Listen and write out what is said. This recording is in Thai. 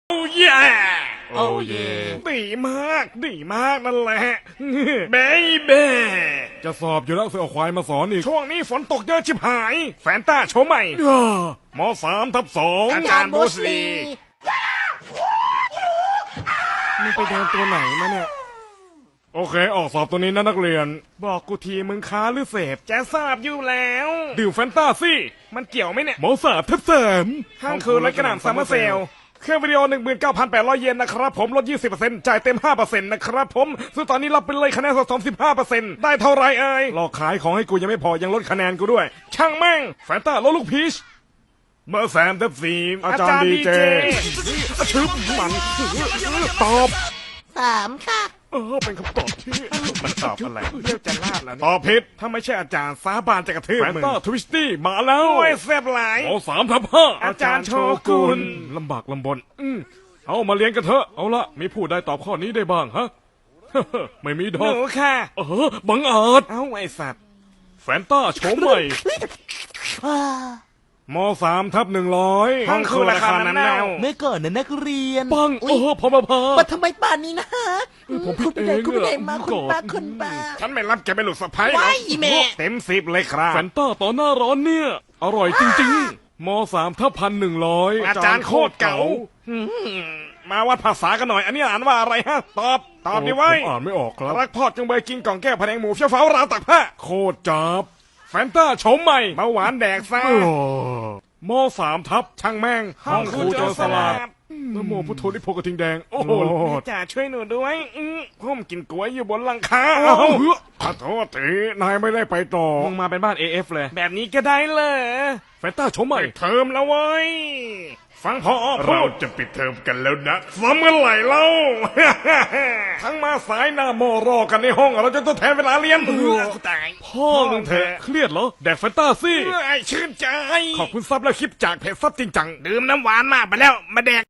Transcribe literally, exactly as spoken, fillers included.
โอ้ยโอ้ยดีมากดีมากนั่นแหละเบเบจะสอบอยู่แล้วเสือควายมาสอนอีกช่วงนี้ฝนตกเยอะชิบหาย แฟนต้าโชว์ใหม่ย่ามสามทับสองอาจารย์บูสลีมึงไปเดินตัวไหนมาเนี่ยโอเคออกสอบตัวนี้นะนักเรียนบอกกูทีมึงค้าหรือเสพจะทราบอยู่แล้วดื่มแฟนตาซี่มันเกี่ยวไหมเนี่ยหมอสาบทับแสมห้างคืนและกระหน่ำซัมเมอร์เซลเครื่องวิดีโอ หนึ่งหมื่นเก้าพันแปดร้อย เยนนะครับผมลด ยี่สิบเปอร์เซ็นต์ จ่ายเต็ม ห้าเปอร์เซ็นต์ นะครับผมซึ่งตอนนี้รับไปเลยคะแนนสะสม สิบห้าเปอร์เซ็นต์ ได้เท่าไรเอ่ยหลอกขายของให้กูยังไม่พอยังลดคะแนนกูด้วยช่างแม่งแฟนตาลดลูกพีชเบอร์สามทับสี่อาจารย์ดีเจชึบมันตอบสามค่ะเออเป็นคำตอบที่มันตอบอะไรเรียกจะลาดแล้วตอบผิดถ้าไม่ใช่อาจารย์สาบานจะกระทืบแฟนมึงตาทวิสตี้มาแล้วโอ้ยแซ่บหลายหมอสามทับห้าอาจารย์โชกุนลำบากลำบนอืมเอามาเรียนกันเถอะเอาละมีผู้ใดตอบข้อนี้ได้บ้างฮะ ไม่มีดหอกนูค่ะเออบังอาจเอ้าไอสัตว์แฟนต้าโฉมใหม่มสามทับหนึ่งร้อยห้องคือราคานั้นแล้วเมื่อก่อนนะนักเรียนปังอุ๊เอย อพอมาพามาทำไมป่านนี้นะฮะผมผิดคุณไปไหนเองคุณไปไหนอะมาคุณก่อนป้าคุณป้าฉันไม่รับแกเป็นลูกสะใภ้หรว้าอย กอีแม่เต็มสิบเลยครับแฟนต้าต่อหน้าร้อนเนี่ย อร่อยจริงๆมสามทับพันหนึ่งร้อยอาจารย์โคตรเก๋าหืมมาวัดภาษากันหน่อย อันนี้อ่านว่าอะไรฮะ ตอบ ตอบดิไว้ผมอ่านไม่ออกครับรักพ่อจังเบยกินกล่องแก้วพะแนงหมูเชี่ยวฟ้าราวตักผ้าโคตรจับแฟนต้าโฉมใหม่เบาหวานแดกซ่าโอ้มสามทับช่างแม่งห้องครูโจรสลัดนโมพุทโธนิโพกระทิงแดงโอ้โหจ่าช่วยหนูด้วยอื้อผมกินกล้วยอยู่บนหลังคาเอ้าเอ้าขอโทษทีนายไม่ได้ไปต่อมึงมาเป็นบ้าน เอ เอฟ เลย แบบนี้ก็ได้เลยแฟนต้าโฉมใหม่เทอมแล้วเว้ย ฟังพอพูเราดจะปิดเทอมกันแล้วนะซ้ำเมื่อไหร่เล่าทั้งมาสายหน้าโมรอกันในห้องเราจะต้องแทนเวลาเรียนกูตายพ่อมึงเถอะเครียดเหรอแดกแฟนตาซี่ไอ้ชื่นใจขอบคุณซับและคลิปจากเพจซับจริงจังดื่มน้ำหวานมากไปแล้ว มาแดก